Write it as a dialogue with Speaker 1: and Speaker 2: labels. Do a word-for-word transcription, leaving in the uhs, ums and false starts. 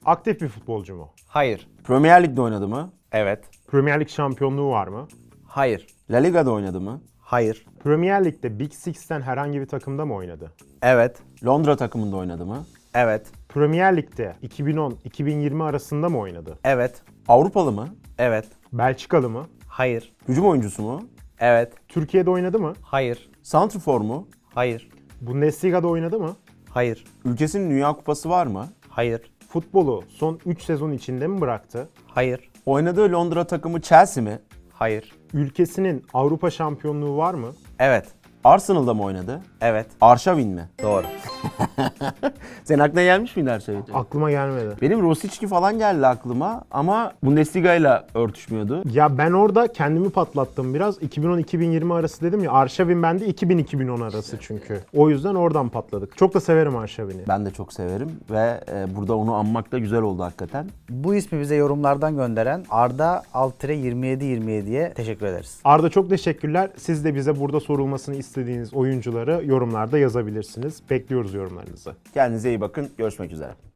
Speaker 1: Aktif bir futbolcu mu?
Speaker 2: Hayır.
Speaker 3: Premier Lig'de oynadı mı?
Speaker 2: Evet.
Speaker 1: Premier Lig şampiyonluğu var mı?
Speaker 2: Hayır.
Speaker 3: La Liga'da oynadı mı?
Speaker 2: Hayır.
Speaker 1: Premier Lig'de Big Six'ten herhangi bir takımda mı oynadı?
Speaker 2: Evet.
Speaker 3: Londra takımında oynadı mı?
Speaker 2: Evet.
Speaker 1: Premier Lig'de iki bin on iki bin yirmi arasında mı oynadı?
Speaker 2: Evet.
Speaker 3: Avrupalı mı?
Speaker 2: Evet.
Speaker 1: Belçikalı mı?
Speaker 2: Hayır.
Speaker 3: Hücum oyuncusu mu?
Speaker 2: Evet.
Speaker 1: Türkiye'de oynadı mı?
Speaker 2: Hayır.
Speaker 3: Santrfor mu?
Speaker 2: Hayır.
Speaker 1: Bundesliga'da oynadı mı?
Speaker 2: Hayır.
Speaker 3: Ülkesinin Dünya Kupası var mı?
Speaker 2: Hayır.
Speaker 1: Futbolu son üç sezon içinde mi bıraktı?
Speaker 2: Hayır.
Speaker 3: Oynadığı Londra takımı Chelsea mi?
Speaker 2: Hayır.
Speaker 1: Ülkesinin Avrupa şampiyonluğu var mı?
Speaker 2: Evet.
Speaker 3: Arsenal'da mı oynadı?
Speaker 2: Evet.
Speaker 3: Arşavin mi?
Speaker 2: Doğru.
Speaker 3: Senin aklına gelmiş miydi Arşavin?
Speaker 1: Aklıma gelmedi.
Speaker 3: Benim Rosicki falan geldi aklıma ama Bundesliga ile örtüşmüyordu.
Speaker 1: Ya ben orada kendimi patlattım biraz. iki bin on iki bin yirmi arası dedim ya. Arşavin bende iki bin iki bin on arası çünkü. O yüzden oradan patladık. Çok da severim Arşavin'i.
Speaker 3: Ben de çok severim ve e, burada onu anmak da güzel oldu hakikaten.
Speaker 2: Bu ismi bize yorumlardan gönderen Arda Altre yirmi yedi yirmi yediye teşekkür ederiz.
Speaker 1: Arda çok teşekkürler. Siz de bize burada sorulmasını istediğiniz oyuncuları yorumlarda yazabilirsiniz. Bekliyoruz yorumlarınızı.
Speaker 3: Kendinize iyi bakın. Görüşmek üzere.